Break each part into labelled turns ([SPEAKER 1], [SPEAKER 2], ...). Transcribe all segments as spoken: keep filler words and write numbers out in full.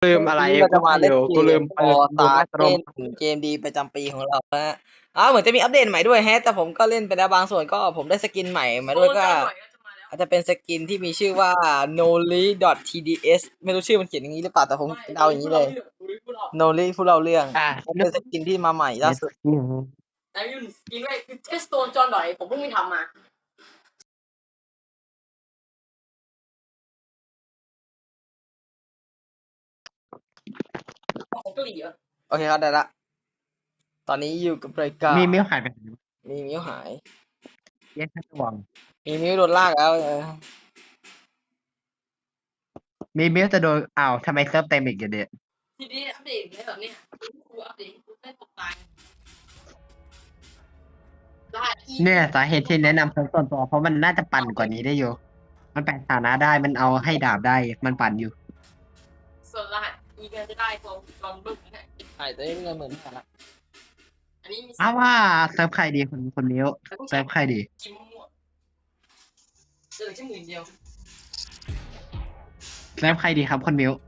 [SPEAKER 1] ลืมอะไร
[SPEAKER 2] เราจะ
[SPEAKER 1] กู
[SPEAKER 2] มาเล่น
[SPEAKER 1] เดี๋ยว
[SPEAKER 2] เก
[SPEAKER 1] กูลื
[SPEAKER 2] ม
[SPEAKER 1] ม
[SPEAKER 2] ออตา
[SPEAKER 1] ลืมอัตโน
[SPEAKER 2] เล่น
[SPEAKER 1] มัติ
[SPEAKER 2] เกมดีประจำปีของเรานะฮะอ้าวเหมือนจะมีอัปเดตใหม่ด้วยแฮะแต่ผมก็เล่นไปแล้วบางส่วนก็ผมได้สกินใหม่มาด้วยก็อาจจะเป็นสกินที่มีชื่อว่า noli.tds ไม่รู้ชื่อมันเขียนอย่างนี้หรือเปล่าแต่ผมเดาอย่างนี้เลย noli ผู้เล่าเรื่อง
[SPEAKER 1] อ่ะนึก
[SPEAKER 2] เป็นสกินที่มาใหม่ล่าสุด
[SPEAKER 1] อืม
[SPEAKER 3] แต่ยุ่นกินไว้คือเทสโตนจอนหน่อยผมเพิ่งไปทำมาของเกาหลีเหรอ
[SPEAKER 2] โอเคครับได้ละตอนนี้อยู่กับรายการ
[SPEAKER 1] มีมิ้วหายไปไหน
[SPEAKER 2] มีมิวหาย
[SPEAKER 1] แยกระวัง
[SPEAKER 2] มีมิวโดนลากแล้วเออ
[SPEAKER 1] มีมิ้วจะโดนอ้าวทำไมเซิร์ฟเต็มอีกอย่างเดียว
[SPEAKER 3] ทีนี้อัปเดตอย่างเงี้ยแบบเนี้ยครูอัปเดตครูได้ตกตายรหัสอี
[SPEAKER 1] เนี่ยสาเหตุที่แนะนำเซิร์ฟส่วนตัวเพราะมันน่าจะปั่นกว่านี้ได้อยู่มันแปลงฐานะได้มันเอาให้ดาบได้มันปั่นอยู่
[SPEAKER 3] ส่วนรหัสอีก็จะได้ของจอนบึ้งนะฮะ
[SPEAKER 2] ใช่แต่นี่เงินเหมือนกันละ
[SPEAKER 3] อันนี้มี
[SPEAKER 1] อ้าวว่าเซิร์ฟใครดีคนคนมิ้วเซิร์ฟใครดี
[SPEAKER 3] กิมมั่วเจอแค่หมื่นเดียว
[SPEAKER 1] เซิร์ฟใครดีครับคนมิ้ว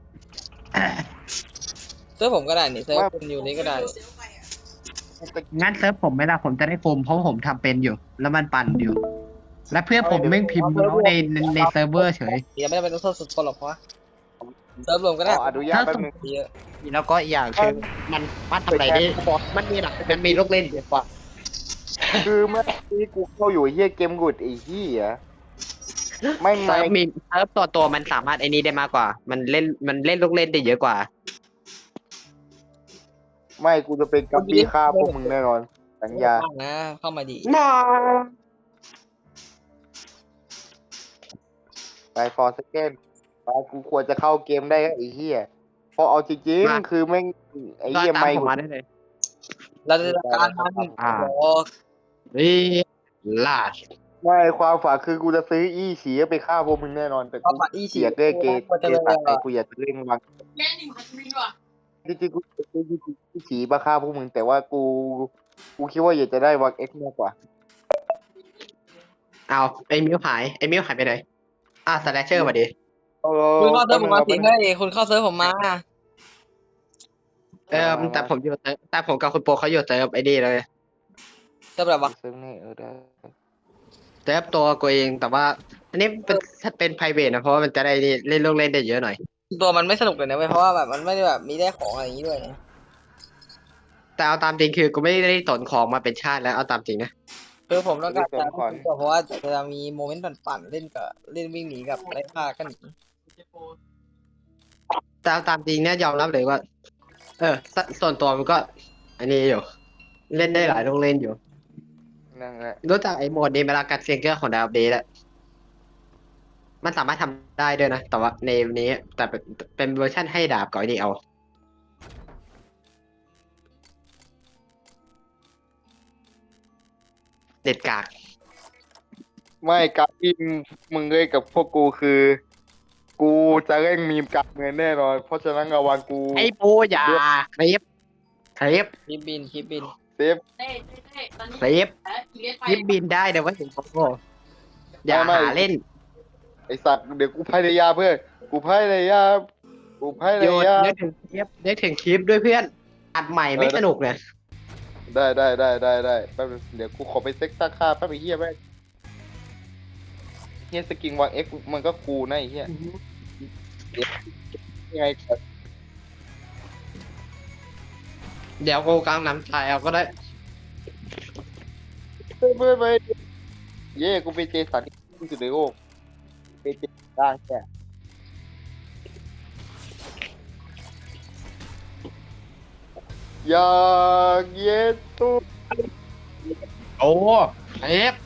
[SPEAKER 2] เซิร์ฟผมก็ได้นี่เซิร์ฟคุณอยู่นี่ก็ได้
[SPEAKER 1] งั้นเซิร์ฟผมไม่ละผมจะได้โฟมเพราะผมทำเป็นอยู่ แล้วมันปั่นอยู่ และเพื่อนผมแม่งพิมพ์แล้วในในในเซิร์ฟเวอร์เฉย
[SPEAKER 2] เดี๋ยวไม่ได้เป็นต้องโทษสุดคนหรอกเพราะว่าเซิร์ฟรวมก็ได้
[SPEAKER 4] ขออนุญาตแป๊บนึง
[SPEAKER 2] เยอะ
[SPEAKER 1] แล้วก็อีกอย่างคือมันมันทำอะไรได้มันมีหลักมันมีลูกเล่นเยอะกว่า
[SPEAKER 4] คือเมื่อกี้กูเข้าอยู่ไอ้เฮียเกมกุดไอ้เฮียไม่
[SPEAKER 1] เซิ
[SPEAKER 4] ไม่
[SPEAKER 1] ร์ฟมีเซิร์ฟตัวตัวมันสามารถไอ้นี้ได้มากกว่า มันเล่นมันเล่นลูกเล่นได้เยอะกว่า
[SPEAKER 4] ไม่กูจะเป็นกัปปี้ฆ่าพวกมึงแน่นอนสัญญา
[SPEAKER 2] นะเข้ามาดี
[SPEAKER 4] ไปฟอร์สเกนไปกูควรจะเข้าเกมได้ไอ้เฮียเพราะเอาจริง
[SPEAKER 1] มา
[SPEAKER 4] ๆคือแม่งไอ้
[SPEAKER 1] ก็
[SPEAKER 4] เฮีย
[SPEAKER 1] ตาม
[SPEAKER 4] ไม่
[SPEAKER 1] ผมมาได้เลย
[SPEAKER 2] เราจะจัดการมัน
[SPEAKER 1] อ่า
[SPEAKER 2] โอ้
[SPEAKER 1] นี่ลาด
[SPEAKER 4] ไม่ความฝันคือกูจะซื้ออีฉีไปฆ่าพวกมึงแน่นอนแต่
[SPEAKER 2] เอา
[SPEAKER 4] กู
[SPEAKER 2] มาอี
[SPEAKER 4] เกลียดเล่เกย์
[SPEAKER 2] มันจะ
[SPEAKER 4] เก
[SPEAKER 2] เลย
[SPEAKER 4] ย์ตัดไอ้กูอยากจะเล่นวาง
[SPEAKER 3] แม่หนึ่งพันวินว่ะ
[SPEAKER 4] จริงๆกูจะซื้ออีฉีมาฆ่าพวกมึงแต่ว่ากูกูคิดว่าอยากจะได้วางเอ็กซ์มากกว่า
[SPEAKER 1] เอาไอ้มิวหายไอ้มิวหายไปไหนอ่ะสแลชเชอร์มาดิ
[SPEAKER 4] เอ
[SPEAKER 2] คุณเข้าเซิร์ฟผมมาสิ
[SPEAKER 4] แป๊บนึง
[SPEAKER 2] เฮ้ยคุณเข้าเซิร์ฟผมมา
[SPEAKER 1] เออแต่ผมอยู่เซิร์ฟแต่ผมกับคุณโปเขาอยู่เซิร์ฟไอ้นี่เลย
[SPEAKER 2] เซิร์ฟแบบว่า
[SPEAKER 4] ซึ่งนี่เออได้
[SPEAKER 1] เซิร์ฟตัวกูเองแต่ว่า อันนี้เป็นเป็นไพรเวทนะเพราะว่ามันจะได้เล่นลูกเล่นได้เยอะหน่อย
[SPEAKER 2] ตัวมันไม่สนุกเลยนะเว้ยเพราะว่าแบบมันไม่ได้แบบมีได้ของอะไรอย่างนี้ด้วยนะ
[SPEAKER 1] แต่เอาตามจริงคือกูไม่ได้สนของมาเป็นชาติแล้วเอาตามจริงนะ
[SPEAKER 2] คือผมต้องการจะเพราะว่าจะมีโมเมนต์ปั่นๆเล่นกับเล่นวิ่งหนีกับไล่ฆ่ากันหนี
[SPEAKER 1] แต่เอาตามจริงเนี่ยยอมรับเลยว่า เออสส่วนตัวมันก็ อันนี้อยู่ เล่นได้หลายลูกเล่นอยู่
[SPEAKER 4] นั่นแหละ
[SPEAKER 1] รู้จักไอ้โหมดนี้เวลากัดเซียงเกอร์ของดาวเบสอะมันสามารถทำได้ด้วยนะ แต่ว่าในนี้ แต่เป็นเป็นเวอร์ชั่นให้ดาบก่อนนี่เอา เด็ดกาก
[SPEAKER 4] ไม่การที่มึงเล่นกับพวกกูคือ กูจะเล่นมีมการเงินแน่นอน เพราะฉะนั้นระวังกู
[SPEAKER 1] ไอ้ปูอย่าคลิปคลิป
[SPEAKER 2] คลิปบินคลิปบิน
[SPEAKER 4] เซฟ
[SPEAKER 3] เต้เต้เต้ตอนนี้
[SPEAKER 1] คลิป
[SPEAKER 3] แพ้อีเลสไป
[SPEAKER 1] คลิปบินได้เดี๋ยวว่าถึงโกอย่าหาเล่น
[SPEAKER 4] ไอสัตว์เดี๋ยวกูพายายามเพื่อนกูพายายามกูพาย
[SPEAKER 1] โยน
[SPEAKER 4] ายาม
[SPEAKER 1] นึกถึงคลิปนึกถึงคลิปด้วยเพื่อน อัดใหม่ไม่สนุกเลย
[SPEAKER 4] ได้ได้ได้ได้ได้แป๊บนึงเดี๋ยวกูขอไปเซ็กซ์ค่าแป๊บไอ้เหี้ยแม่งเหี้ยสกินวางเอ็กมันก็กูนะไอ้เหี้ยยังไงก่อน
[SPEAKER 1] เดี๋ยวกูกลางน้ำตายเอาก็ได้
[SPEAKER 4] เพื่อนเพื่อนไปเย่กูเป็นเจสันที่สุดในโลกเป็นเจสันได้แค่อยากเย็นตู้
[SPEAKER 1] โอ้คลิป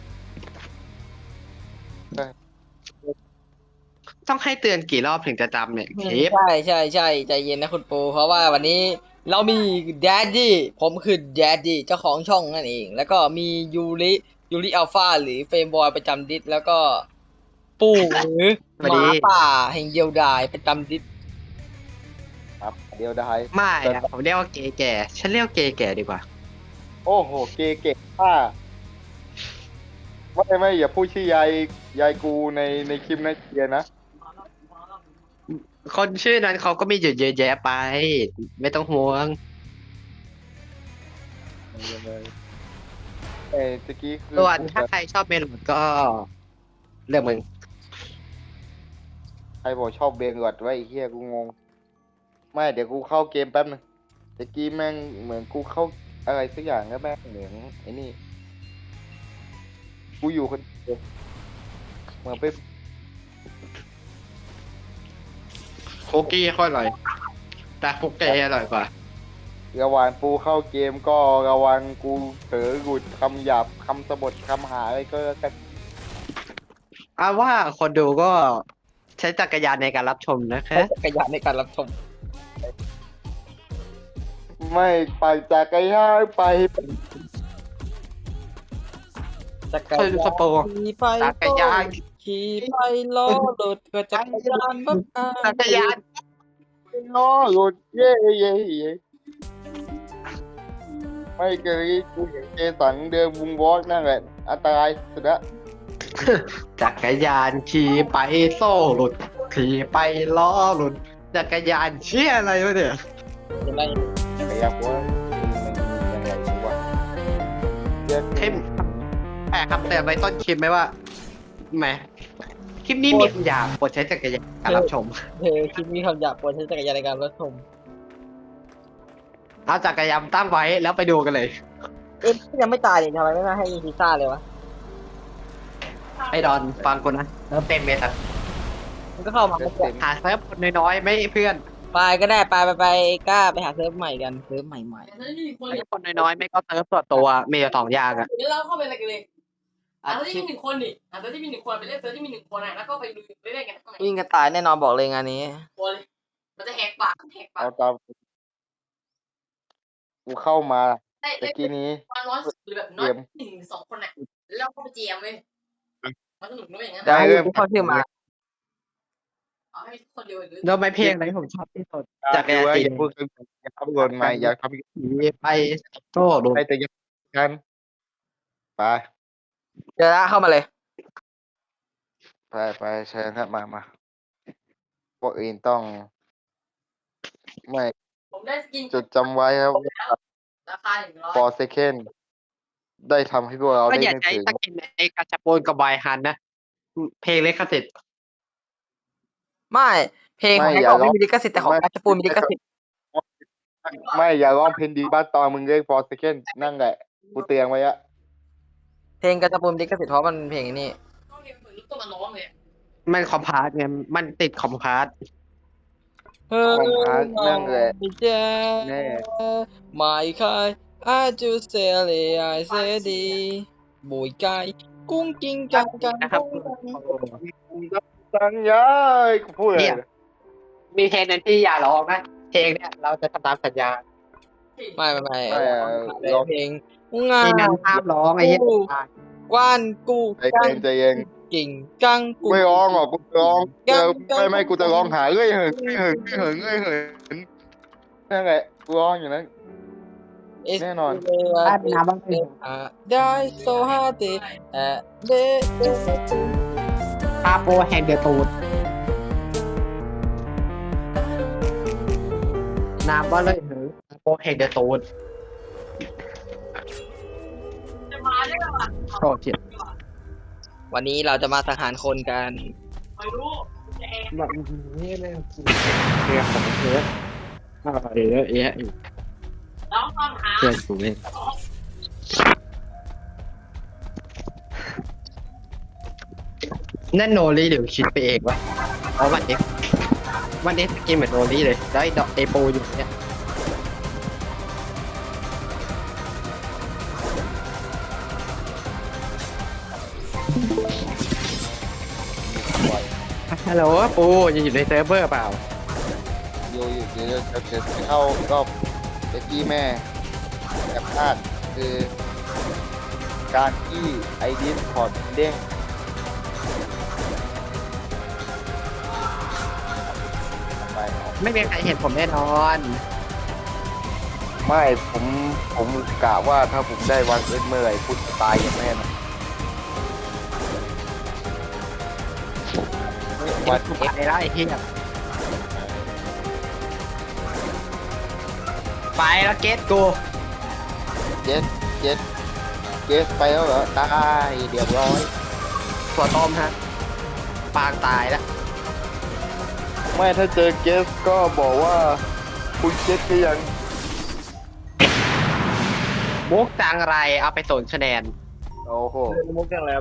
[SPEAKER 1] ต้องให้เตือนกี่รอบถึงจะจำเนี่ยคลิป
[SPEAKER 2] ใช่ใช่ใช่ใจเย็นนะคุณปูเพราะว่าวันนี้เรามีแดดดี้ผมคือแดดดี้เจ้าของช่องนั่นเอง แล้วก็มียูริยูริอัลฟาหรือเฟรมบอยประจำดิสแล้วก็ปู่หรือหมาป่าแห่งเดียวดายประจำดิส
[SPEAKER 4] ครับเดียวได้
[SPEAKER 1] ไม่นะผมเรียกว่าเกย์แก่ฉันเรียกว่าเกย์แก่ดีกว่า
[SPEAKER 4] โอ้โหเกเก่งป้าไม่ไม่อย่าพูดชื่อยายยายกูในในคลิปนะเกียร์นะ
[SPEAKER 1] คนชื่อนั้นเขาก็มีอยู่เยอะแยะไป ไม่ต้องห่วง
[SPEAKER 4] เอ้ยตะกี้คือ
[SPEAKER 1] ส่วนถ้าใครชอบเมโลดก็เรื่องมึง
[SPEAKER 4] ใครบอกชอบเบงกอดไว้ไอ้เหี้ยกูงง ไม่เดี๋ยวกูเข้าเกมแป๊บนึงตะกี้แม่งเหมือนกูเข้าอะไรสักอย่างแล้วแม่งเหมือนไอ้นี่ กูอยู่คนเดียวเหมือนไป
[SPEAKER 1] คุกกี้ค่อยอร่อย แต่คุกเกย์อร่อยกว่า
[SPEAKER 4] ระหว่างปูเข้าเกมก็ระวังกูเผลอหลุดคำหยาบคำสบทคำหาอะไรก็แล้วกัน
[SPEAKER 1] เอาว่าคนดูก็ใช้จักรยานในการรับชมนะคะ
[SPEAKER 2] จักรยานในการรับชม
[SPEAKER 4] ไม่ปั่นจักรยานไป
[SPEAKER 2] จักร
[SPEAKER 1] คือย
[SPEAKER 2] าน
[SPEAKER 1] สโปร์
[SPEAKER 2] ขี่ไป
[SPEAKER 1] จักรยาน
[SPEAKER 2] ขี่ไปล้อรถก็จักรยานบักอา
[SPEAKER 1] จักรยาน
[SPEAKER 4] ล้อหลุดเย่เย่เย่ไม่เคยกูเห็นเจสันเดินวุงวอล์กนั่นแหละอันตรายสุดละ
[SPEAKER 1] จักรยานขี่ไปโซ่หลุดขี่ไปล้อหลุดจักรยานเชี่ยอะไรวะเนี่ย
[SPEAKER 2] จะได้
[SPEAKER 4] แต่อยากว่ามันยังไงดีวะเรื่อง
[SPEAKER 1] เข้มแอบคำเตือนไว้ต้นคลิปไหมว่าแหมคลิปนี้มีคำหยาบโปรดใช้จักรยานในการรับชม
[SPEAKER 2] เธอคลิปนี้คำหยาบควรใช้จักรยานในการรับชม
[SPEAKER 1] เอาจักรยานตั้งไว้แล้วไปดูกันเลย
[SPEAKER 2] เอ๊ะยังไม่ตายนี่ทำไมไม่มาให้พิซซ่าเลยวะ
[SPEAKER 1] ไอ้ดอนฟังกูนะเริ่มเต็มเลยครับ
[SPEAKER 2] มันก็เข้ามาเมื่อกี้
[SPEAKER 1] หาเซิร์ฟคนน้อยๆไม่เพื่อน
[SPEAKER 2] ไปก็ได้ไปไปไปกล้าไปหาเซิร์ฟใหม่กันเซิร์ฟใหม่ใหม่
[SPEAKER 3] แต่ถ้าไม่มีคน
[SPEAKER 1] ไอ้คนน้อยๆไม่ก็เซิร์ฟส่วนตัวมีอยู่สองอย่างอะ
[SPEAKER 3] เดี๋ยวเราเข้าไปอะไรกันเลย
[SPEAKER 1] อา
[SPEAKER 3] อ่ะเซิร์ฟ
[SPEAKER 1] ชี
[SPEAKER 3] ที่
[SPEAKER 1] พ
[SPEAKER 3] มีหนึ่งคนดิอ่ะเซิร์ฟที่มีหนึ่งคนไปเล่นเซิร์ฟที่มีหนึ่งคนอ่ะแล้วก็ไปดูไปเล่นกันข้างใน
[SPEAKER 2] วิ่งกันตายแน่นอนบอกเลยงานนี้
[SPEAKER 3] ตัวเลยมันจะแหกปากแหกปาก
[SPEAKER 4] เอาตามกูเข้ามา
[SPEAKER 3] ได้
[SPEAKER 4] ตะ
[SPEAKER 3] ได้
[SPEAKER 4] กี้นี้
[SPEAKER 3] วันน้อยสุดหรือแบบน้อยหนึ่งสองคนอ่ะแล้วเราก็ไปเจมเว้ยมันสนุกด้วยอย่างนั้น
[SPEAKER 2] ได้กูเข้าชื่อมา
[SPEAKER 3] เอาให้คนเดียวหรือ
[SPEAKER 1] แล้วไม่เพลงอะไรที่ผมชอบที่สุด
[SPEAKER 4] จา
[SPEAKER 1] จั
[SPEAKER 4] ก
[SPEAKER 1] กรยาน
[SPEAKER 4] ว่า
[SPEAKER 1] สี
[SPEAKER 4] อย่าพูดถึงอย่าทำก่อนมาอย่าทำ
[SPEAKER 1] ขี่ไปโซ่หลุด
[SPEAKER 4] ให้แต่อยังกันไป
[SPEAKER 2] เจอละเข้ามาเลย
[SPEAKER 4] ไปไปเชิญครับมามาพวกอื่นต้อง ไม่
[SPEAKER 3] ผมได้สกิน
[SPEAKER 4] จดจำไว้ครับว่า
[SPEAKER 3] ราคาหนึ่งร้อย
[SPEAKER 4] for second ได้ทำให้พวกเรา
[SPEAKER 1] ก็
[SPEAKER 4] ได้
[SPEAKER 1] อย่า
[SPEAKER 4] นึก
[SPEAKER 1] ใช้
[SPEAKER 4] ถึง
[SPEAKER 1] สกินไอ้กาชาโปนกับบายฮันนะ เพลงเลคสิทธิ์
[SPEAKER 2] ไม่เพลงของไอ้กองไม่มีลิขสิทธิ์แต่ของกัชปูนมีลิขสิทธิ์
[SPEAKER 4] ไม่อย่าร้องเพลงดีบ้านตอนมึงเล่น for second นั่นแหละกูเตือนไว้อะ
[SPEAKER 2] เพลงกัชปูนมีลิขสิทธิ์เพราะมันเพลงไอ้นี่
[SPEAKER 3] ต้องเรียนเหมือนตัวมันร้องเลย
[SPEAKER 1] มันคอมพาร์ตไงมันติดคอมพาร์ต
[SPEAKER 2] เฮ้ย
[SPEAKER 4] ของพาร์ทนั่นแหละ
[SPEAKER 2] เจ้
[SPEAKER 4] แน่
[SPEAKER 2] ไม่เคยอาจูเซเลไอเซดีบุยไก่กุ้งกิ้งกังกัง
[SPEAKER 1] นะครับ
[SPEAKER 4] สัญญากูพูดเลย
[SPEAKER 1] มีเพลงนั้นที่อย่าร้องนะ เพลงเนี่ยเราจะทำตามสัญญา
[SPEAKER 2] ไม่ไม่ไม่
[SPEAKER 4] ไม่อะ
[SPEAKER 2] ร้องเพลงงา
[SPEAKER 1] เพลงนั้นห้ามร้องไอ้เหี้ย
[SPEAKER 2] กว้านกู
[SPEAKER 4] ใจเย็นใจเย็น
[SPEAKER 2] กิ่งกังกู
[SPEAKER 4] ไม่ร้องหรอกกูร้องเจอไม่ไม่กูจะร้องหาเอ้ยเหินเอ้ยเหินเอ้ยเหินเอ้ยเหินนั่นแหละกูร้องอยู่นั้น แน่นอน
[SPEAKER 1] บ้านน้ำบ้างเลย
[SPEAKER 2] ได้โซฮาเตเอเด
[SPEAKER 1] ปาโปแห่งเดือดตูดน้ำบ้าเลยหรือปาโปแห่งเดือดตูด
[SPEAKER 3] จะมาได้หรอ
[SPEAKER 1] โอ้เจ็บ
[SPEAKER 2] วันนี้เราจะมาสังหารคนกัน
[SPEAKER 3] ไม่รู้จะแอบ
[SPEAKER 1] แบบนี้เลยเรื่องของเธออะไรเยอะแยะอีก
[SPEAKER 3] ร้องความหา
[SPEAKER 1] เพื่อนกูเองนั่นโนรีหรือคิดไปเองวะเพราะวันนี้วันนี้สกินเหมือนโนรีเลยแล้วไอ้ดอกเอโปอยู่เนี่ยฮัลโหลปูยังอยู่ในเซิร์ฟเวอร์เปล่า
[SPEAKER 4] อยู่อยู่เดี๋ยวเดี๋ยวเดี๋ยวเข้ารอบเด็กกี้แม่กับพลาดคือ การที่ไอดิสพอร์ตเด้งไปเอา
[SPEAKER 1] ไม่มีใครเห็นผมแน่นอน
[SPEAKER 4] ไม่ผมผมกะว่าถ้าผมได้วันเอ็นเมื่อไหร่คุณจะตายอย่างแน่นอนวัน
[SPEAKER 1] ถูก
[SPEAKER 4] เอ็
[SPEAKER 1] ไปแล้วไอ้เหี้ยไปแล้วเกตกู
[SPEAKER 4] เจสเจสเจสไปแล้วเหรอตายเรียบร้อย
[SPEAKER 1] ถั่วต้มฮะปางตายแล้ว
[SPEAKER 4] ไม่ถ้าเจอเกสก็บอกว่าคุณเจสก็ยัง
[SPEAKER 1] มุกจังไรเอาไปศูนย์คะแนน
[SPEAKER 4] โอ้โห
[SPEAKER 2] มุกจังแล้ว
[SPEAKER 4] ไอ้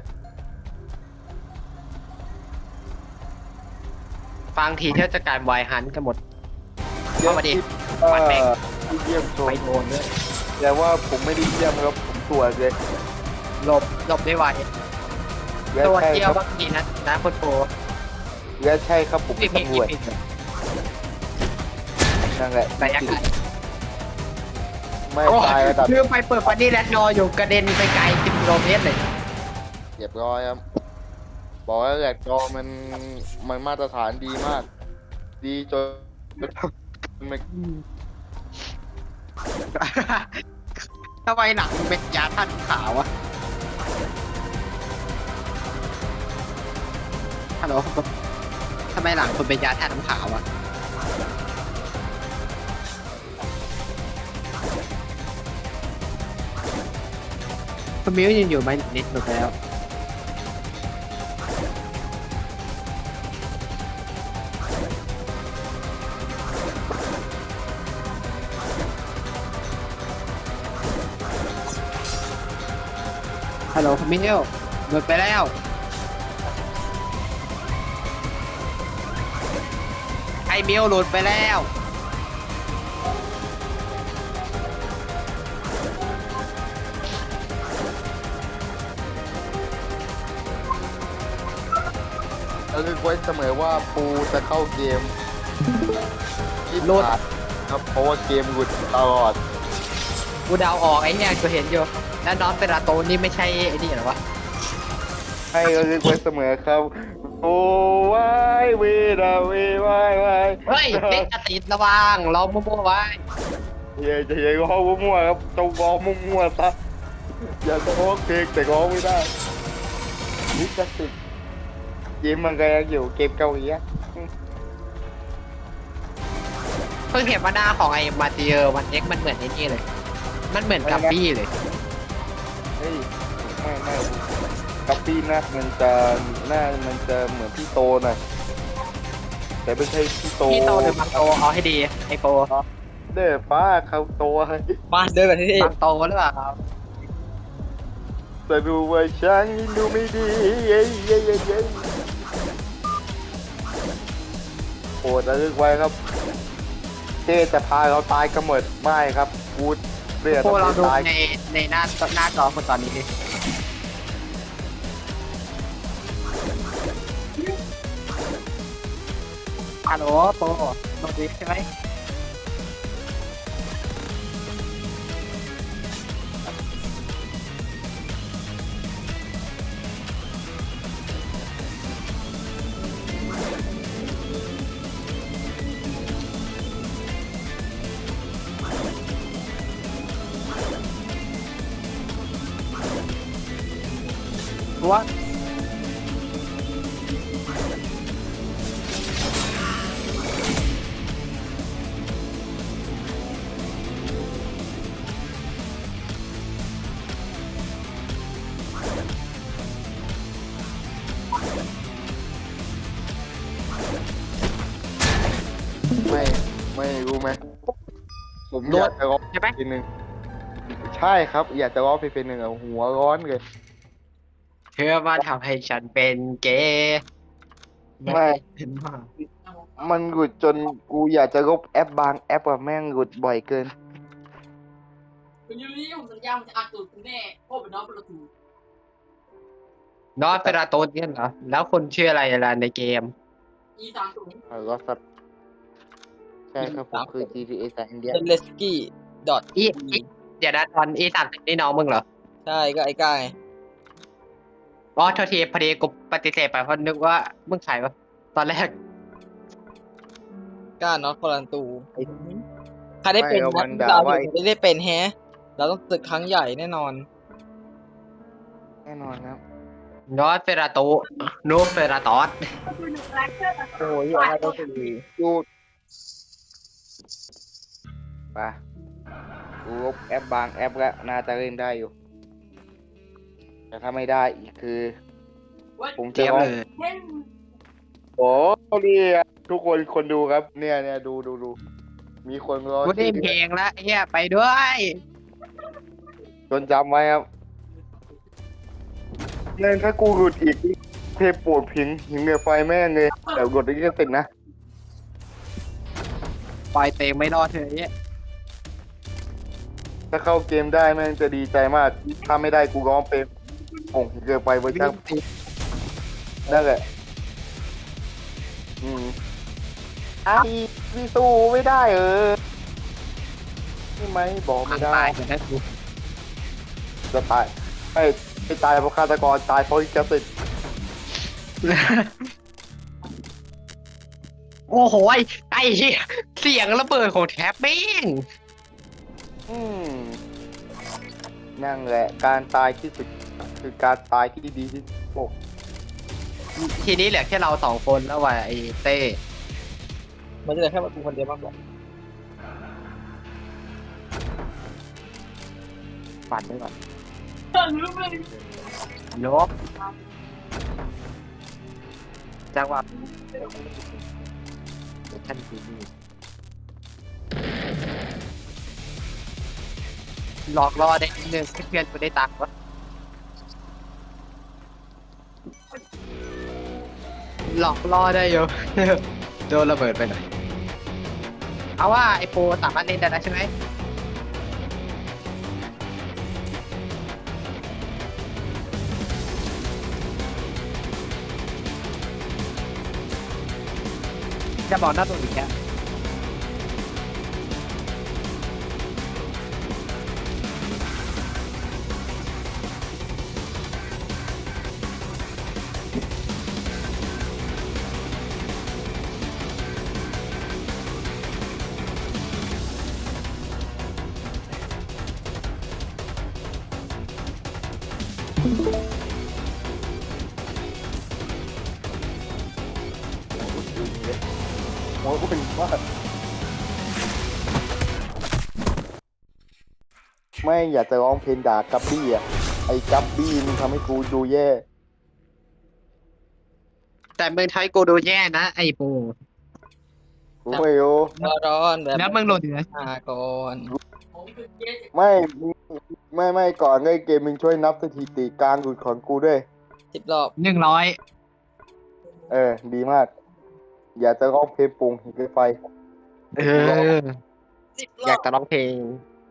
[SPEAKER 1] ฟังทีเที่ยวจะกลายไวฮันกันหมด
[SPEAKER 4] เจ
[SPEAKER 1] เข้า
[SPEAKER 4] ส
[SPEAKER 1] มาดิ
[SPEAKER 4] ที่
[SPEAKER 1] ปัดแบ่ง
[SPEAKER 4] ที่เยี่ยมชม
[SPEAKER 1] ไปโดนด้วย
[SPEAKER 4] แต่ว่าผมไม่ได้เยี่ยมครับผมตรวจเลย
[SPEAKER 1] หลบหลบได้ไว
[SPEAKER 4] และ
[SPEAKER 1] ตัว
[SPEAKER 4] ใช่
[SPEAKER 1] เที่ย
[SPEAKER 4] คว รับ
[SPEAKER 1] บางทีนะนะคุณโป
[SPEAKER 4] และใช่ครับผม
[SPEAKER 1] ผิ
[SPEAKER 4] เป็
[SPEAKER 1] ด
[SPEAKER 4] น
[SPEAKER 1] ผิด
[SPEAKER 4] ตำรวจ
[SPEAKER 1] ผิด
[SPEAKER 4] นั่นแหละ
[SPEAKER 1] แต่ยังไง
[SPEAKER 4] ไม่ตายระดับ
[SPEAKER 1] คือไปเปิดฟันนี่แลนดออยู่กระเด็นไปไกลสิบกิโลเมตรเลย
[SPEAKER 4] เรียบร้อยครับบอกแล้วแหละจอมันมันมาตรฐานดีมาก ดีจนมัน
[SPEAKER 1] ทำไมหนังเป็นยาท่านขาวอะฮัลโหลทำไมหลังคุณเป็นยาท่าน้ำขาวอะคุณมิวยังอยู่ไหมนิดหนึ่งแล้ว ฮัลโหลคุณมิวหลุดไปแล้วไอ้มิวหลุดไปแล้ว
[SPEAKER 4] เราคิดไว้เสมอว่าปูจะเข้าเกมที่
[SPEAKER 1] หลุด
[SPEAKER 4] ผ่านครับเพราะว่าเกมหลุดตลอด
[SPEAKER 1] กูเดาออกไอ้เนี่ยกูเห็นอยู่ แล้วน้องเปราโตนี่ไม่ใช่ไอ้นี่เหรอวะ
[SPEAKER 4] ให้เราคิดไว้เสมอครับโอ้วายเวดาเววายวาย
[SPEAKER 1] เฮ้ยเด็กติดระวังเรามั่วๆไว้
[SPEAKER 4] อย่าจะอย่าร้องมั่วๆครับจงร้องมั่วๆซะอย่าจะร้องเพลงแต่ร้องไม่ได้นี่จะติดเกมมันก็ยังอยู่เกมเกาหลีอะ
[SPEAKER 1] เพิ่งเห็นว่าหน้าของไอ้มาเตียร์วันเอ็กมันเหมือนไอ้นี่เลย มันเหมือนกับบี้เลย
[SPEAKER 4] เฮ้ยไม่ไม่กับพี่หน้ามันจะหน้ามันจะเหมือนพี่โตหน่อยแต่ไม่ใช่พี่โต
[SPEAKER 1] พี่โตหรือบางโตเอาให้ดีไอโป
[SPEAKER 4] เด้อป้าเขาโตให้
[SPEAKER 2] มาเดินแบบนี้
[SPEAKER 1] บางโตหรือเปล่าครับ
[SPEAKER 4] แต่ดูว่าฉันดูไม่ดีเย้เย้เย้เย้โปรดระลึกไว้ครับเจ๊จะพาเราตายกันหมดไม่ครับกูเลือด
[SPEAKER 1] โปเราดู
[SPEAKER 4] ตาย
[SPEAKER 1] ในในหน้าหน้าจอคนตอนนี้ดิฮัลโหลโปโนดีใช่ไหม ว่า
[SPEAKER 4] ไม่ไม่รู้ไหมผมอยากจะร้อง
[SPEAKER 1] ใช่ไหม
[SPEAKER 4] เพลงหนึ่งใช่ครับ อยากจะร้องเพลงหนึ่งอะหัวร้อนเลย
[SPEAKER 1] เธอมาทำให้ฉันเป็นเกย์
[SPEAKER 4] ไม่
[SPEAKER 1] เห็นมาก
[SPEAKER 4] มันหลุดจนกูอยากจะลบแอปบางแอปอะแม่งหลุดบ่อยเกิน
[SPEAKER 3] คุณยูนี่ผมสัญญาผมจะอัดตูดคุณแน่โอ้เป็นน้องประตู
[SPEAKER 1] นอตเปราโตนเนี่ยเหรอ แล้วคนชื่ออะไรล่ะในเกม
[SPEAKER 3] อีสามศูนย์
[SPEAKER 4] อ่ารอสัตใช่ครับผมคือ จี ที เอ สายอินเดีย
[SPEAKER 2] เซเลสกี้ดอท
[SPEAKER 1] อีอีเดี๋ยวนะตอนอีสามสิบนี่น้องมึงเหรอ
[SPEAKER 2] ใช่ก็ไอ้ก้าไง
[SPEAKER 1] อ๋อโทษทีพอดีกูปฏิเสธไปเพราะนึกว่ามึงขายวะตอนแรก
[SPEAKER 2] ก้าน็อตคอลันตูใครได้เป็น
[SPEAKER 4] ไม่
[SPEAKER 2] นะ
[SPEAKER 4] วันด่า
[SPEAKER 2] เรา
[SPEAKER 4] ว่า
[SPEAKER 2] ไม่ได้เป็นแฮะ เราต้องตึกครั้งใหญ่แน่นอน
[SPEAKER 4] แน่นอนครับ
[SPEAKER 1] นอตเปราโตโนเปราตอส
[SPEAKER 2] โอ้ยอะไรก็คือ
[SPEAKER 4] ดูไปกูลบแอปบางแอปแล้วน่าจะเล่นได้อยู่ แต่ถ้าไม่ได้อีกคือ ผม
[SPEAKER 1] เจี๊
[SPEAKER 4] จะ
[SPEAKER 1] ยบ
[SPEAKER 4] ร้อง
[SPEAKER 1] เลย
[SPEAKER 4] โอ้เนี่ยทุกคนคนดูครับ เนี่ยเนี่ยดูดูดูมีคนรอ
[SPEAKER 1] กูได้เพลงละเฮียไปด้วย
[SPEAKER 4] จนจำไว้ครับเล่นถ้ากูหลุดอีกเทปโปรดพิงหิงเหนือไฟแม่งเลยแต่หลุดได้แค่ติดนะ
[SPEAKER 1] ปล่อยเตงไม่รอดเธอเนี้ย
[SPEAKER 4] ถ้าเข้าเกมได้แม่งจะดีใจมาก ถ้าไม่ได้กูร้องเป็นโอ่งหิงเหนือไฟเวอร์ชันนั่นแหละ อืมอ้าวพี่สู้ไม่ได้เออนี่ไหมบอกไม่ได้
[SPEAKER 1] ตายเหมือนกันกู
[SPEAKER 4] จะตายไม่ไม่ตายเพราะฆาตกรตายเพราะแกสติด
[SPEAKER 1] โอ้โหไอ้ไอ้เหี้ยเสียงระเบิดของแท็บแม่ง
[SPEAKER 4] อืมนั่นแหละการตายที่สุดคือการตายที่ดีที่สุดโอ้
[SPEAKER 1] ทีนี้เหลือแค่เราสองคนแล้วว่ะไอ้เต้
[SPEAKER 2] มันจะเหลือแค่กูคนเดียวบ้างหรอ
[SPEAKER 1] ปั่นไปก่อนลบจังหวะท่านทีนี่หลอกล่อได้นิดนึงให้เพื่อนกูได้ตังค์วะหลอกล่อได้อยู่ โดนระเบิดไปหน่อยเอาว่าไอโปรสามารถเล่นได้แล้วใช่ไหมจะบอกหน้าตัวอีกแค่
[SPEAKER 4] โหกูเป็นว่าไม่อยากจะร้องเพลงด่ากับบี้อ่ะไอ้กับบี้มันทำให้กูดูแย่
[SPEAKER 1] แต่มึงทำให้กูดูแย่นะไอโปร
[SPEAKER 4] กูไม่รู้
[SPEAKER 2] ร้อนแบบ
[SPEAKER 1] แล้วมึงโหลดเหนือ
[SPEAKER 2] มาก่อน
[SPEAKER 4] ไม่ไม่ไม่ก่อนเล่นเกมมึงช่วยนับสถิติการหลุดของกูด้วย
[SPEAKER 2] สิบรอบ
[SPEAKER 1] หนึ่งร้อย
[SPEAKER 4] เออ ดีมาก อยากจะร้องเพลงปรุงหิงไฟ
[SPEAKER 1] เออ
[SPEAKER 2] สิบร
[SPEAKER 1] อ
[SPEAKER 2] อย
[SPEAKER 1] าก
[SPEAKER 2] บ
[SPEAKER 1] จะร้องเพลง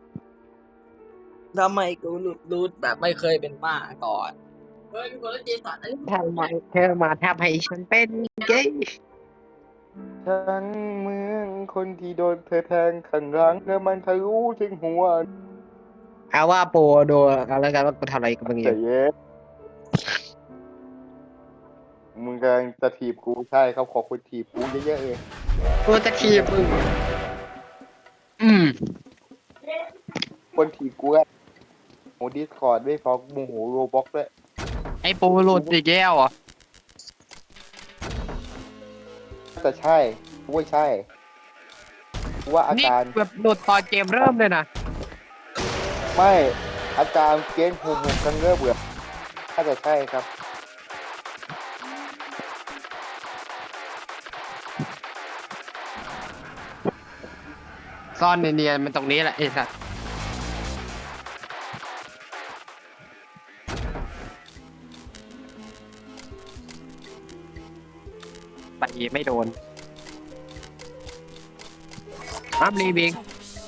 [SPEAKER 2] ทำไมกูหลุดรูดแบบไม่เคยเป็นบ้าก่อน
[SPEAKER 3] เฮ้ยมีคนเล่นเจสันอันนี้
[SPEAKER 1] ทำไมเธอมาทำให้ฉันเป็นเกย์
[SPEAKER 4] ฉันเหมือนคนที่โดนเธอแทงข้างหลังแล้วมันทะลุถึงหัว
[SPEAKER 1] เอาว่าโปรดูเอาแล้วกันว่ากูทำอะไรกับมึงอ
[SPEAKER 4] ใจ
[SPEAKER 1] ยู่
[SPEAKER 4] เย็นมึงกำลังจะถีบกูใช่ครับขอบคุณถีบกูเยอะๆเลย
[SPEAKER 1] กูจะทีบมึงอืม
[SPEAKER 4] คนถีบกูอะโหดิสคอร์ดด้วยฟอกโมโหโรบ็อกด้วย
[SPEAKER 1] ไอโปรโหลดอีกแล้วเหรอ่ะ
[SPEAKER 4] แต่ใช่กูว่าใช่กูว่าอา
[SPEAKER 1] นี่
[SPEAKER 4] การ
[SPEAKER 1] แบบโหลดตอนเกมเริ่มเลยนะ
[SPEAKER 4] ไม่อาการเกณฑ์หูหูกันเริ่มเบื่อน่าจะใช่ครับ
[SPEAKER 1] ซ่อนเนียนๆมันตรงนี้แหละไอ้สัสไปไม่โดนอัพรีบิง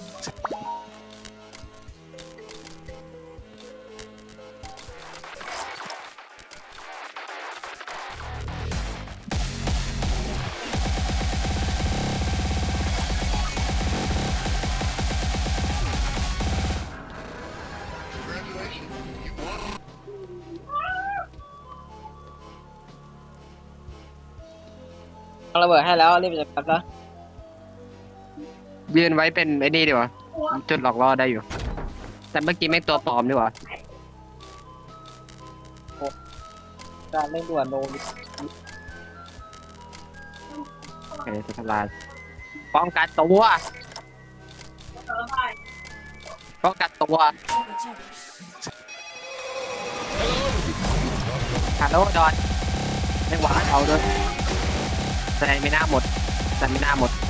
[SPEAKER 2] เอาระเบิดให้แล้วรีบจัดการซะ
[SPEAKER 1] ยืนไว้เป็นไอ้นี่ดีกว่าจุดหลอกล่อได้อยู่ แต่เมื่อกี้ไม่ตัวปลอมดีกว่า
[SPEAKER 2] การเร่งด่วนโน
[SPEAKER 1] โอเคสุดทลายป้องกันตัวป้องกันตัวฮัลโหลดอนไม่หวานเอาด้วยแต่ไม่น่าหมดแต่ไม่น่าหมด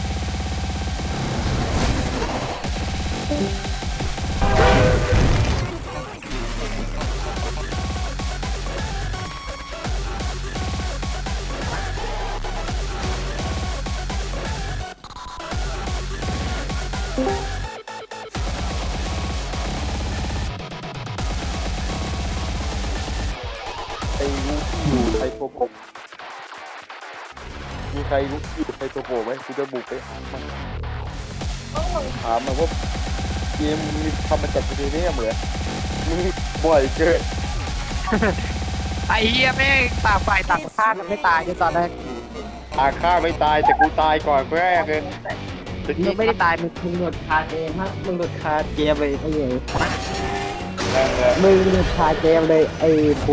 [SPEAKER 4] ไอ้รู้ที่อยู่ไทโปโปมีใครรู้ที่อยู่ไทโปโปไหมกูจะบุกไปหามันถามมันว่าเกมมีทำมาจากประเทศนี้เหมือนมึงบ่อยเกิน
[SPEAKER 1] ไอ้เหี้ยแม่งต่างฝ่ายต่างฆ่ากันไม่ตายในตอนแรก
[SPEAKER 4] อาฆ่าไม่ตายแต่กูตายก่อนแรกเลย
[SPEAKER 1] มึงไม่ได้ตายมึงมึงหลุดคาเกมฮะมึงหลุดคาเกมเลยไอ้เหี้ย
[SPEAKER 4] นั่นแหละ
[SPEAKER 1] มึงหลุดคาเกมเลยไอ้ปู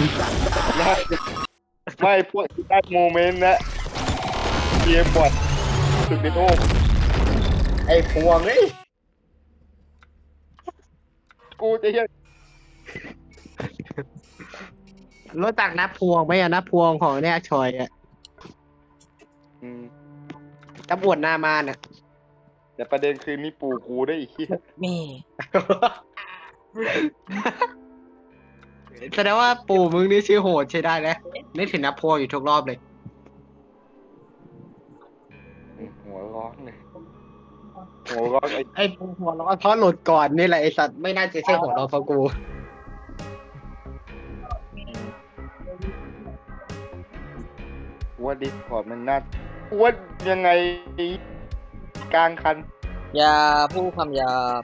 [SPEAKER 4] ไม่พวกได้โมเมนต์นะเกมบอดสุดในโลกไอ้พวงเอ้ยกูจะยัง
[SPEAKER 1] รู้จักนับพวงไหมอะนับพวงของเนี่ยชอยอะ
[SPEAKER 4] อืม
[SPEAKER 1] ตำรวจหน้าม่านอะ
[SPEAKER 4] แต่ประเด็นคือนี่ปู่กูได้อีกที่
[SPEAKER 2] นี่
[SPEAKER 1] แสดงว่าปู่มึงนี่ชื่อโหดใช้ได้แล้วนึกถึงนับพวงอยู่ทุกรอบเลย
[SPEAKER 4] หัวร้อนเลยหัวร้อนไอ้
[SPEAKER 1] ไอ้ปูหัวร้อนเพราะหลุดก่อนนี่แหละไอ้สัตว์ไม่น่าจะใช่หัวร้อนเพราะกู
[SPEAKER 4] ว่าดิสคอร์ดมันน่าว่ายังไงกลางคัน
[SPEAKER 2] อย่าพูดคำหยาบ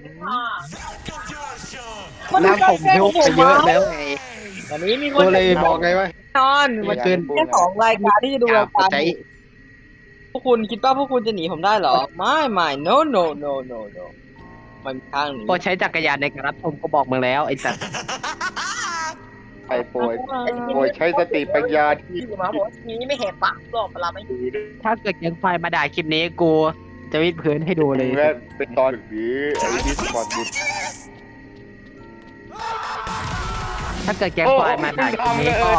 [SPEAKER 1] น้ำผมยกไปเยอะแล้วไง
[SPEAKER 2] วันนี้มีค
[SPEAKER 1] กู
[SPEAKER 2] น
[SPEAKER 1] เลยบอกไงว่า
[SPEAKER 2] นอน
[SPEAKER 1] เมื่อคืน
[SPEAKER 2] แค่สองรายการที่จะดูรายการ
[SPEAKER 1] ใจ
[SPEAKER 2] พวกคุณคิดว่าพวกคุณจะหนีผมได้เหรอ ไม่ไม่ no no no no no มันมีทางหนี
[SPEAKER 1] พอใช้จักรยานในการรับชมก็บอกมึงแล้วไอ้สัตว์
[SPEAKER 4] ไอ้โปรยโปรยใช้สติปัญญาที่
[SPEAKER 3] ที่มาบอกว่าทีนี้ไม่เห็นปากหรอกเวลาไม่
[SPEAKER 4] ดูได้
[SPEAKER 1] ถ้าเกิดยังไฟมาด่าคลิปนี้กูจะวิดพื้นให้ดูเลย
[SPEAKER 4] และเป็นตอนหรือไอ้ดิสคอร์ดบุตร
[SPEAKER 1] ถ้าเกิดแกงควายมาด่าคลิปนี้ก็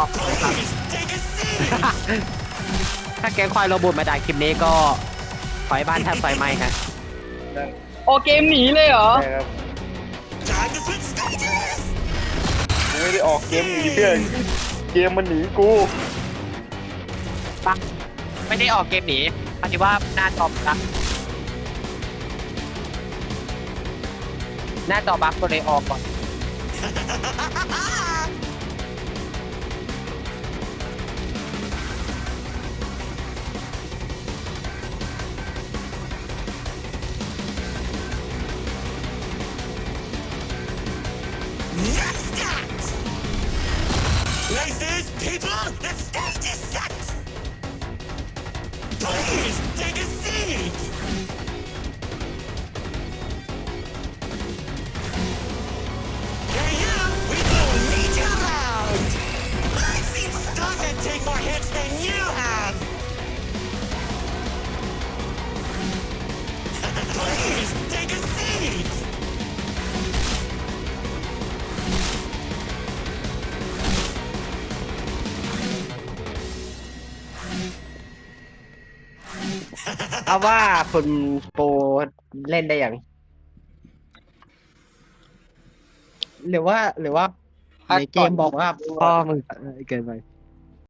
[SPEAKER 1] ถ้าแกงควายโรบอทมาด่าคลิปนี้ก็ไฟบ้านแทบไฟไหม้ฮะ
[SPEAKER 2] โอเกมหนีเลยเหรอ
[SPEAKER 4] ใช่ครับกูไม่ได้ออกเกมหนีเพื่อนเกมมันหนีกู
[SPEAKER 1] ปังไม่ได้ออกเกมหนีปฏิว่าหน้าจอบั๊กหน้าจอบั๊กก็เลยออกก่อน
[SPEAKER 5] Places, people, the stage is set! Please, take a seat! Hey you, we don't need you around! I've seen stuntmen take more hits than you have! Please, take a seat!
[SPEAKER 1] เอาว่าคุณโปรเล่นได้ยังหรือว่าหรือว่าในเกมบอกว่าพ่อมึงเกินไป